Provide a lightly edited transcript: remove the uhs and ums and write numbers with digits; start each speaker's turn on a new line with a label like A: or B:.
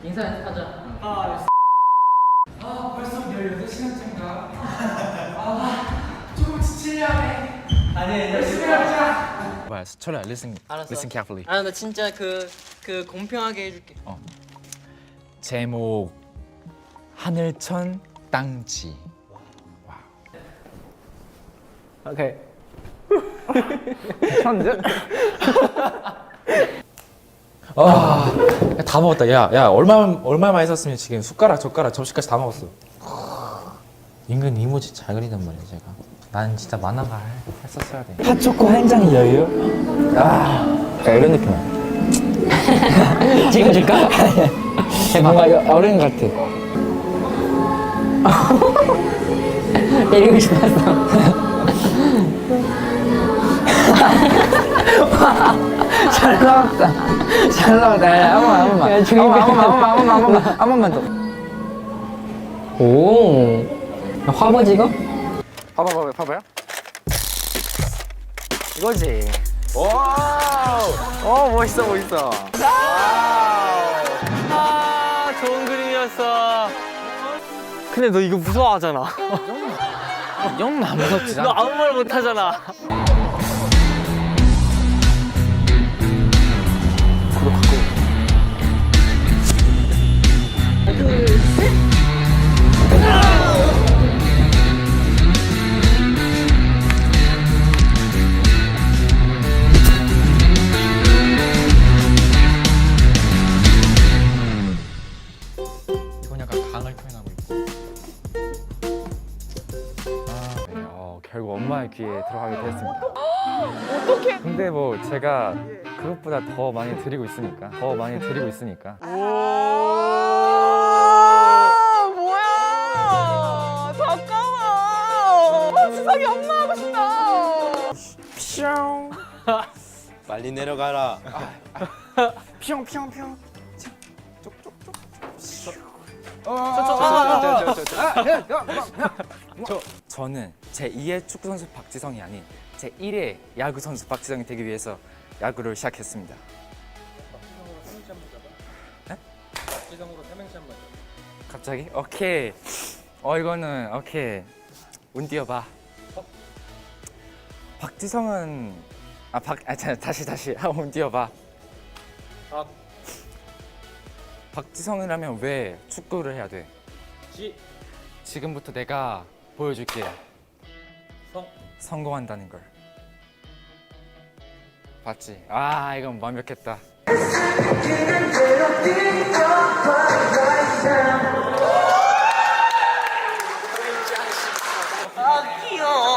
A: 인사하자.
B: 벌써 18시간째인가? 조금 지치려네. 아니, 열심히 하자.
C: 뭐야, 철아, listen carefully.
A: 아, 나 진짜 그 공평하게 해줄게.
C: 제목 하늘천 땅지.
D: 오케이. 괜찮은데?
C: 다 먹었다. 야, 얼마만 있었으면 지금 숟가락, 젓가락, 접시까지 다 먹었어. 인근 이모지 잘 그리단 말이야, 제가. 나는 진짜 만화가 했었어야 돼.
D: 핫초코 한 장이 여유? 이런 느낌. 찍어줄까? 뭔가 어른 같아. 때리고 싶었어. 잘 나왔다. 잘 나왔다. 한 번만 더. 오. 화보 찍어?
C: 봐봐요.
D: 이거지. 오, 멋있어.
A: 좋은 그림이었어. 근데 너 이거 무서워하잖아.
C: 이 정도는 안 무섭지.
A: 너 아무 말 못하잖아.
C: 이건 약간 강을 표현하고 있고. 결국 엄마의 귀에 들어가게 되었습니다. 어떡해? 근데 뭐 제가 그것보다 더 많이 드리고 있으니까.
A: 뭐야? 잠깐만. 지성이 엄마 하고 싶다.
E: 빨리 내려가라.
C: 저는 제2의 축구 선수 박지성이 아닌 제1의 야구 선수 박지성이 되기 위해서 야구를 시작했습니다. 박지성으로 삼행시 한번. 갑자기? 오케이. 이거는 오케이. 운 띄워봐. 박지성은 다시 운 띄워봐. 박지성이라면 왜 축구를 해야 돼? 지금부터 내가 보여줄게. 성공한다는 걸. 봤지? 이건 완벽했다.